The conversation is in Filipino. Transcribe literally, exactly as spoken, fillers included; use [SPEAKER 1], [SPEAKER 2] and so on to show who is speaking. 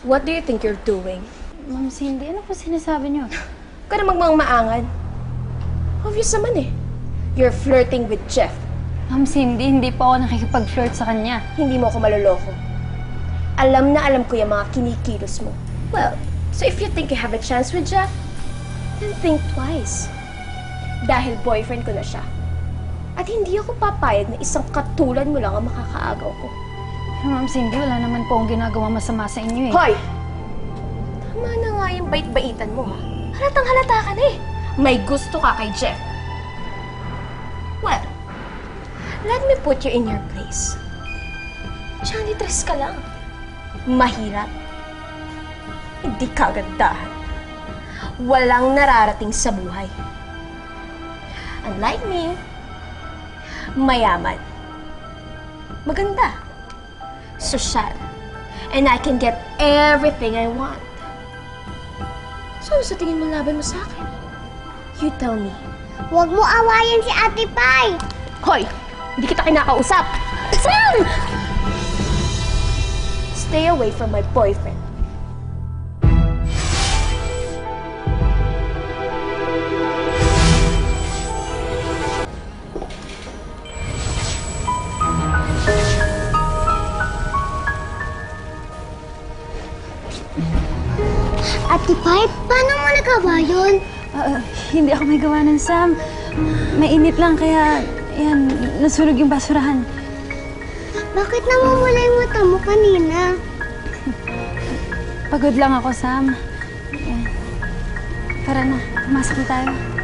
[SPEAKER 1] What do you think you're doing?
[SPEAKER 2] Ma'am Cindy, ano po sinasabi niyo?
[SPEAKER 1] Huwag ka na magmang-maangan. Obvious naman eh. You're flirting with Jeff.
[SPEAKER 2] Ma'am Cindy, hindi po ako nakikipag-flirt sa kanya.
[SPEAKER 1] Hindi mo ako maloloko. Alam na alam ko yung mga kinikilos mo. Well, so if you think you have a chance with Jeff, then think twice. Dahil boyfriend ko na siya. At hindi ako papayag na isang katulad mo lang ang makakaagaw ko.
[SPEAKER 2] Pero Ma'am Cindy, wala naman po akong ginagawa masama sa inyo eh.
[SPEAKER 1] Hoy! Tama na nga yung bait-baitan mo, ha? Halatang halata ka na eh. May gusto ka kay Jeff. Well, let me put you in your place. Janitress ka lang. Mahirap. Hindi kagandahan. Walang nararating sa buhay. Unlike me, mayaman. Maganda. Sosyal. And I can get everything I want. So, sa tingin mo laban mo sa akin? You tell me.
[SPEAKER 3] Huwag mo awayan si Ate Pai!
[SPEAKER 1] Hoy! Hindi kita kinakausap! Sam! Stay away from my boyfriend.
[SPEAKER 3] Ate Pai, paano mo nagawa yun?
[SPEAKER 2] Ah, hindi ako may gawa ng Sam. Mainit lang kaya, yan, nasunog yung basurahan.
[SPEAKER 3] Bakit namumula yung mata mo kanina?
[SPEAKER 2] Pagod lang ako, Sam. Yan. Tara na, pumasok na tayo.